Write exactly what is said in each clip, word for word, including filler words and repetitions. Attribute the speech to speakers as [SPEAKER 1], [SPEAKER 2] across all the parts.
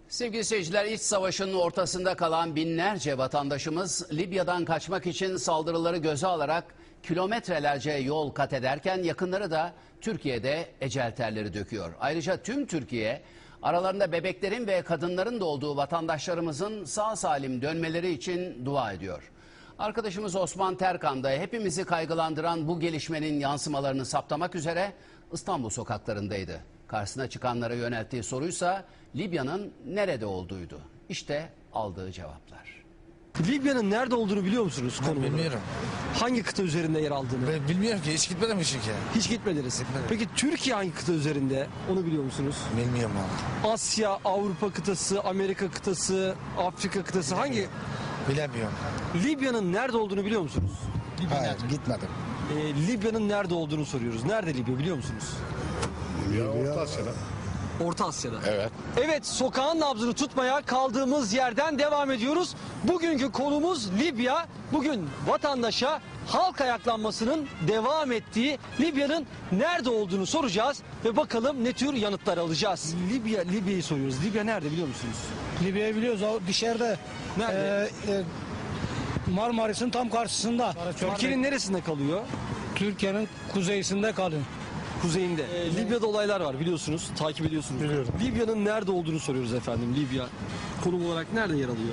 [SPEAKER 1] Sevgili seyirciler, iç savaşın ortasında kalan binlerce vatandaşımız Libya'dan kaçmak için saldırıları göze alarak kilometrelerce yol kat ederken yakınları da Türkiye'de ecel terleri döküyor. Ayrıca tüm Türkiye aralarında bebeklerin ve kadınların da olduğu vatandaşlarımızın sağ salim dönmeleri için dua ediyor. Arkadaşımız Osman Terkan da hepimizi kaygılandıran bu gelişmenin yansımalarını saptamak üzere İstanbul sokaklarındaydı. Karşısına çıkanlara yönelttiği soruysa Libya'nın nerede olduğuydu. İşte aldığı cevaplar.
[SPEAKER 2] Libya'nın nerede olduğunu biliyor musunuz?
[SPEAKER 3] Ben bilmiyorum.
[SPEAKER 2] Hangi kıta üzerinde yer aldığını?
[SPEAKER 3] Ben bilmiyorum ki, hiç gitmedim çünkü.
[SPEAKER 2] Hiç gitmediniz.
[SPEAKER 3] Gitmedim.
[SPEAKER 2] Peki Türkiye hangi kıta üzerinde? Onu biliyor musunuz?
[SPEAKER 3] Bilmiyorum abi.
[SPEAKER 2] Asya, Avrupa kıtası, Amerika kıtası, Afrika kıtası hangi?
[SPEAKER 3] Bilemiyorum.
[SPEAKER 2] Libya'nın nerede olduğunu biliyor musunuz?
[SPEAKER 3] Hayır, gitmedim.
[SPEAKER 2] Ee, Libya'nın nerede olduğunu soruyoruz. Nerede Libya biliyor musunuz?
[SPEAKER 4] Orta Asya'da.
[SPEAKER 2] Orta Asya'da.
[SPEAKER 3] Evet.
[SPEAKER 2] Evet, sokağın nabzını tutmaya kaldığımız yerden devam ediyoruz. Bugünkü konumuz Libya. Bugün vatandaşa halk ayaklanmasının devam ettiği Libya'nın nerede olduğunu soracağız ve bakalım ne tür yanıtlar alacağız. Libya, Libya'yı soruyoruz. Libya nerede biliyor musunuz?
[SPEAKER 5] Libya'yı biliyoruz. O dışarıda.
[SPEAKER 2] Nerede?
[SPEAKER 5] Ee, e, Marmaris'in tam karşısında.
[SPEAKER 2] Türkiye'nin neresinde kalıyor?
[SPEAKER 5] Türkiye'nin kuzeyinde kalıyor.
[SPEAKER 2] Kuzeyinde. Ee, Libya'da olaylar var biliyorsunuz, takip ediyorsunuz.
[SPEAKER 5] Biliyorum.
[SPEAKER 2] Libya'nın nerede olduğunu soruyoruz efendim. Libya konum olarak nerede yer alıyor?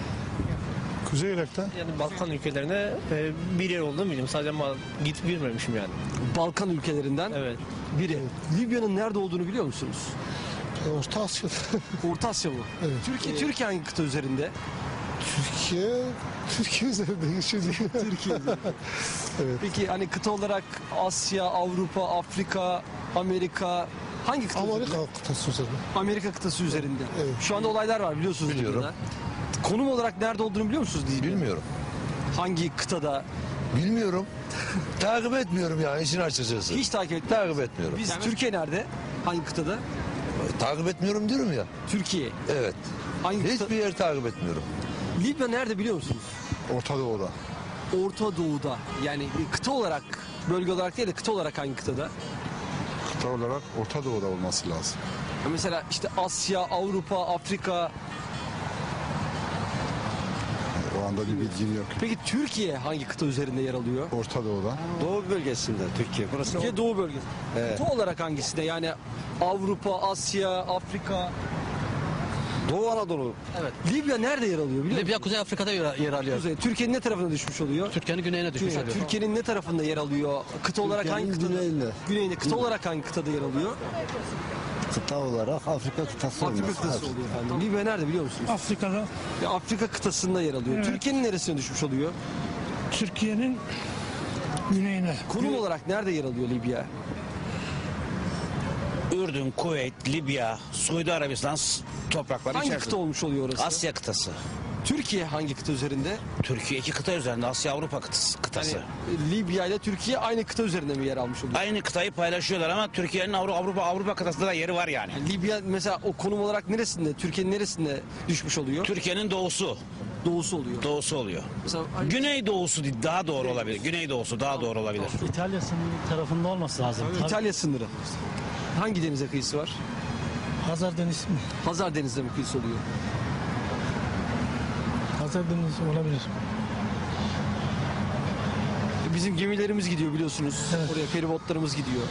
[SPEAKER 4] Kuzey Irak'ta.
[SPEAKER 6] Yani Balkan ülkelerine e, bir yer olduğunu biliyorum. Sadece ama gidip bilmemişim yani.
[SPEAKER 2] Balkan ülkelerinden
[SPEAKER 6] Evet.
[SPEAKER 2] biri. Libya'nın nerede olduğunu biliyor musunuz?
[SPEAKER 4] Orta Asya'da.
[SPEAKER 2] Orta Asya mı?
[SPEAKER 4] Evet.
[SPEAKER 2] Türkiye, Türkiye hangi kıta üzerinde?
[SPEAKER 4] Türkiye, Türkiye üzerinde geçiyor.
[SPEAKER 2] Türkiye.
[SPEAKER 4] Evet.
[SPEAKER 2] Peki hani kıta olarak Asya, Avrupa, Afrika, Amerika hangi kıta
[SPEAKER 4] Amerika
[SPEAKER 2] üzerinde?
[SPEAKER 4] kıtası üzerinde.
[SPEAKER 2] Amerika kıtası üzerinde.
[SPEAKER 4] Evet.
[SPEAKER 2] Şu anda olaylar var biliyorsunuz.
[SPEAKER 3] Biliyorum.
[SPEAKER 2] Libya'da. Konum olarak nerede olduğunu biliyor musunuz? Libya?
[SPEAKER 3] Bilmiyorum.
[SPEAKER 2] Hangi kıtada?
[SPEAKER 3] Bilmiyorum. Takip etmiyorum ya, işin açıkçası.
[SPEAKER 2] Hiç takip etmiyoruz.
[SPEAKER 3] Takip etmiyorum.
[SPEAKER 2] Biz Türkiye nerede? Hangi kıtada?
[SPEAKER 3] Takip etmiyorum diyorum ya.
[SPEAKER 2] Türkiye.
[SPEAKER 3] Evet.
[SPEAKER 2] Hangi kıta?
[SPEAKER 3] Hiçbir yer takip etmiyorum.
[SPEAKER 2] Libya nerede biliyor musunuz?
[SPEAKER 4] Orta Doğu'da.
[SPEAKER 2] Orta Doğu'da. Yani kıta olarak, bölge olarak değil de kıta olarak hangi kıtada?
[SPEAKER 4] Kıta olarak Orta Doğu'da olması lazım.
[SPEAKER 2] Mesela işte Asya, Avrupa, Afrika.
[SPEAKER 4] O anda bir bilgim yok.
[SPEAKER 2] Peki Türkiye hangi kıta üzerinde yer alıyor?
[SPEAKER 4] Orta Doğu'da.
[SPEAKER 7] Doğu bölgesinde Türkiye. Burası
[SPEAKER 2] Türkiye Doğu bölgesi. Kıta olarak hangisinde? Yani Avrupa, Asya, Afrika.
[SPEAKER 7] Doğu Anadolu.
[SPEAKER 2] Evet. Libya nerede yer alıyor biliyor musun?
[SPEAKER 8] Libya Kuzey Afrika'da yer, yer alıyor.
[SPEAKER 2] Kuzey. Türkiye'nin ne tarafına düşmüş oluyor?
[SPEAKER 8] Türkiye'nin güneyine düşmüş
[SPEAKER 2] Yani
[SPEAKER 8] oluyor.
[SPEAKER 2] Türkiye'nin ne tarafında yer alıyor? Kıta olarak hangi kıtada?
[SPEAKER 7] güneyinde.
[SPEAKER 2] Güneyinde. Kıta olarak hangi kıtada yer alıyor?
[SPEAKER 7] Kıta olarak Afrika kıtası
[SPEAKER 2] Afrika
[SPEAKER 7] olması
[SPEAKER 2] kıtası
[SPEAKER 7] lazım.
[SPEAKER 2] oluyor efendim. Libya nerede biliyor musunuz?
[SPEAKER 5] Afrika'da.
[SPEAKER 2] Ya Afrika kıtasında yer alıyor.
[SPEAKER 5] Evet.
[SPEAKER 2] Türkiye'nin neresine düşmüş oluyor?
[SPEAKER 5] Türkiye'nin güneyine.
[SPEAKER 2] Konum olarak nerede yer alıyor Libya?
[SPEAKER 9] Ürdün, Kuveyt, Libya, Suudi Arabistan s- toprakları
[SPEAKER 2] Hangi
[SPEAKER 9] içerisinde.
[SPEAKER 2] kıta olmuş oluyor orası?
[SPEAKER 9] Asya kıtası.
[SPEAKER 2] Türkiye hangi kıta üzerinde?
[SPEAKER 9] Türkiye iki kıta üzerinde. Asya Avrupa kıtası. kıtası.
[SPEAKER 2] Yani Libya ile Türkiye aynı kıta üzerinde mi yer almış oluyor?
[SPEAKER 9] Aynı kıtayı paylaşıyorlar ama Türkiye'nin Avru- Avrupa Avrupa kıtasında da yeri var yani.
[SPEAKER 2] Yani Libya mesela o konum olarak neresinde? Türkiye'nin neresinde düşmüş oluyor?
[SPEAKER 9] Türkiye'nin doğusu,
[SPEAKER 2] Doğusu oluyor.
[SPEAKER 9] doğusu oluyor.
[SPEAKER 2] Mesela
[SPEAKER 9] Güney doğusu daha doğru olabilir. Güney doğusu daha doğru olabilir.
[SPEAKER 10] İtalya sınırı tarafında olması lazım. Tabii.
[SPEAKER 2] İtalya sınırı. Hangi denize kıyısı var?
[SPEAKER 10] Hazar Denizi mi?
[SPEAKER 2] Hazar Denizi'ne mi kıyısı oluyor?
[SPEAKER 10] Hazar Denizi olabilir.
[SPEAKER 2] Bizim gemilerimiz gidiyor biliyorsunuz.
[SPEAKER 10] Evet.
[SPEAKER 2] Oraya feribotlarımız gidiyor.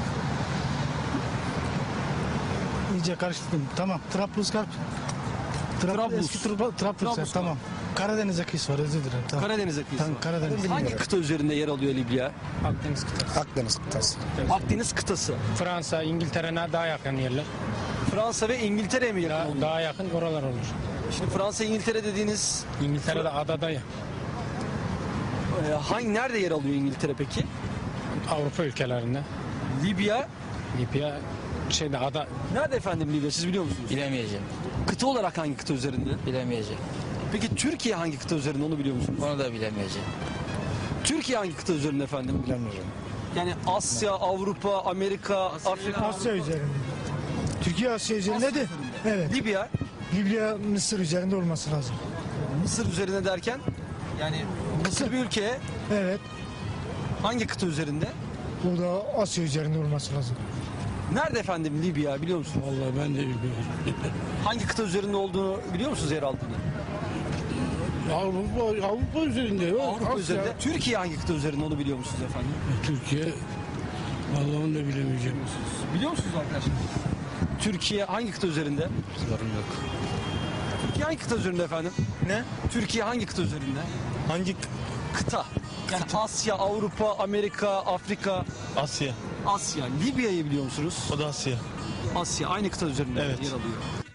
[SPEAKER 10] İyice karıştırdım. Tamam. Trablusgarp. Trab
[SPEAKER 2] Trablus.
[SPEAKER 10] Eski Trablusgarp.
[SPEAKER 2] Trablusgarp.
[SPEAKER 10] Tamam. Karadeniz'e kıyısı var. Özür dilerim. Tamam.
[SPEAKER 2] Karadeniz'e kıyısı
[SPEAKER 10] Tamam,
[SPEAKER 2] var.
[SPEAKER 10] Karadeniz.
[SPEAKER 2] Hangi kıta üzerinde yer alıyor Libya?
[SPEAKER 5] Akdeniz kıtası.
[SPEAKER 4] Akdeniz kıtası.
[SPEAKER 2] Akdeniz kıtası.
[SPEAKER 5] Fransa, İngiltere'ne daha yakın yerler.
[SPEAKER 2] Fransa ve İngiltere'ye mi yakın
[SPEAKER 5] Daha,
[SPEAKER 2] oluyor?
[SPEAKER 5] daha yakın oralar olur.
[SPEAKER 2] Şimdi Fransa, İngiltere dediğiniz
[SPEAKER 5] İngiltere'de adada ya.
[SPEAKER 2] e, hangi nerede yer alıyor İngiltere peki?
[SPEAKER 5] Avrupa ülkelerinde.
[SPEAKER 2] Libya
[SPEAKER 5] Libya şeyde ada
[SPEAKER 2] nerede efendim Libya siz biliyor musunuz?
[SPEAKER 8] Bilemeyeceğim.
[SPEAKER 2] Kıta olarak hangi kıta üzerinde?
[SPEAKER 8] Bilemeyeceğim.
[SPEAKER 2] Peki Türkiye hangi kıta üzerinde onu biliyor musunuz?
[SPEAKER 8] Onu da bilemeyeceğim.
[SPEAKER 2] Türkiye hangi kıta üzerinde efendim?
[SPEAKER 4] Bilemiyorum.
[SPEAKER 2] Yani Asya, Avrupa, Amerika, Afrika,
[SPEAKER 10] Asya üzerinde. Türkiye Asya üzerinde de. Evet.
[SPEAKER 2] Libya,
[SPEAKER 10] Libya Mısır üzerinde olması lazım.
[SPEAKER 2] Mısır üzerinde derken yani Mısır bir ülke
[SPEAKER 10] Evet.
[SPEAKER 2] hangi kıta üzerinde?
[SPEAKER 10] O da Asya üzerinde olması lazım.
[SPEAKER 2] Nerede efendim Libya biliyor musunuz?
[SPEAKER 10] Vallahi ben de bilmiyorum.
[SPEAKER 2] Hangi kıta üzerinde olduğunu biliyor musunuz yer altında?
[SPEAKER 10] Avrupa, Avrupa üzerinde yok.
[SPEAKER 2] Avrupa
[SPEAKER 10] Asya,
[SPEAKER 2] üzerinde. Türkiye hangi kıta üzerinde onu biliyor musunuz efendim?
[SPEAKER 10] Türkiye. Vallahi onu da bilemeyeceğim.
[SPEAKER 2] Biliyor musunuz arkadaşlar? Türkiye hangi kıta üzerinde?
[SPEAKER 7] Sorun yok.
[SPEAKER 2] Türkiye hangi kıta üzerinde efendim?
[SPEAKER 6] Ne?
[SPEAKER 2] Türkiye hangi kıta üzerinde?
[SPEAKER 6] Hangi
[SPEAKER 2] Kıta. Yani Asya, Avrupa, Amerika, Afrika,
[SPEAKER 6] Asya?
[SPEAKER 2] Asya. Libya'yı biliyor musunuz?
[SPEAKER 6] O da Asya.
[SPEAKER 2] Asya aynı kıta üzerinde
[SPEAKER 6] Evet.
[SPEAKER 2] yer alıyor.